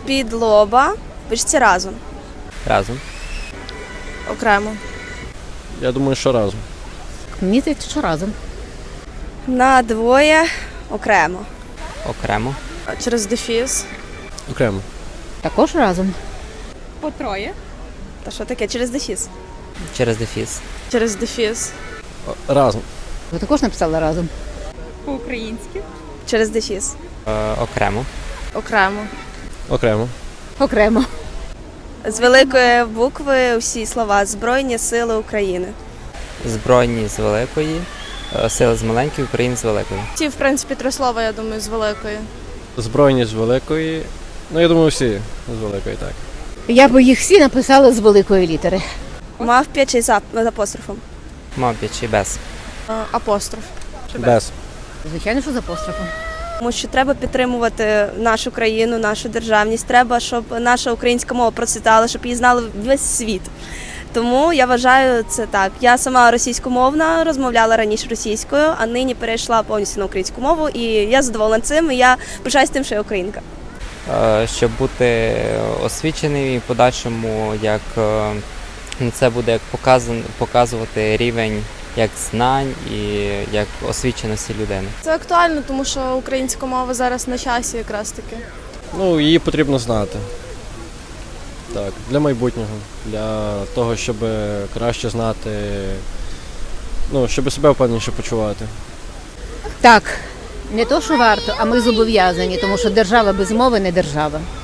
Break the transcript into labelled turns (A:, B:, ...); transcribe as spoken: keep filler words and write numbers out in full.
A: З-під лоба. Пишеться разом.
B: Разом.
A: Окремо.
C: Я думаю, що разом.
D: Мені здається, що разом.
A: На двоє. Окремо.
B: Окремо.
A: Через дефіс.
C: Окремо.
D: Також разом.
E: По троє.
A: Та що таке? Через дефіс.
B: Через дефіс.
A: Через дефіс.
C: О, разом.
D: Ви також написали разом.
E: По-українськи.
A: Через дефіс.
B: Е, окремо.
A: Окремо.
C: Окремо.
D: Окремо.
A: З великої букви всі слова Збройні сили України.
B: Збройні з великої, е, сили з маленької, України з великої.
A: Ті, в принципі, три слова, я думаю, з великої.
C: Збройні з великої. Ну, я думаю, всі з великої, так.
D: Я би їх всі написала з великої літери.
A: Мавп'я чи з ап- з апострофом?
B: Мабуть, чи без.
A: Апостроф.
C: Без.
D: Звичайно, що з апострофом.
A: Тому що треба підтримувати нашу країну, нашу державність. Треба, щоб наша українська мова процвітала, щоб її знали весь світ. Тому я вважаю це так. Я сама російськомовна, розмовляла раніше російською, а нині перейшла повністю на українську мову. І я задоволена цим, і я пишаюсь тим, що я українка.
B: Е, щоб бути освіченим і в подальшому, як е, ну, це буде як показан, показувати рівень як знань і як освіченості людини.
A: Це актуально, тому що українська мова зараз на часі якраз таки.
C: Ну, її потрібно знати. Так, для майбутнього, для того, щоб краще знати, ну, щоб себе впевненіше почувати.
D: Так, не то, що варто, а ми зобов'язані, тому що держава без мови не держава.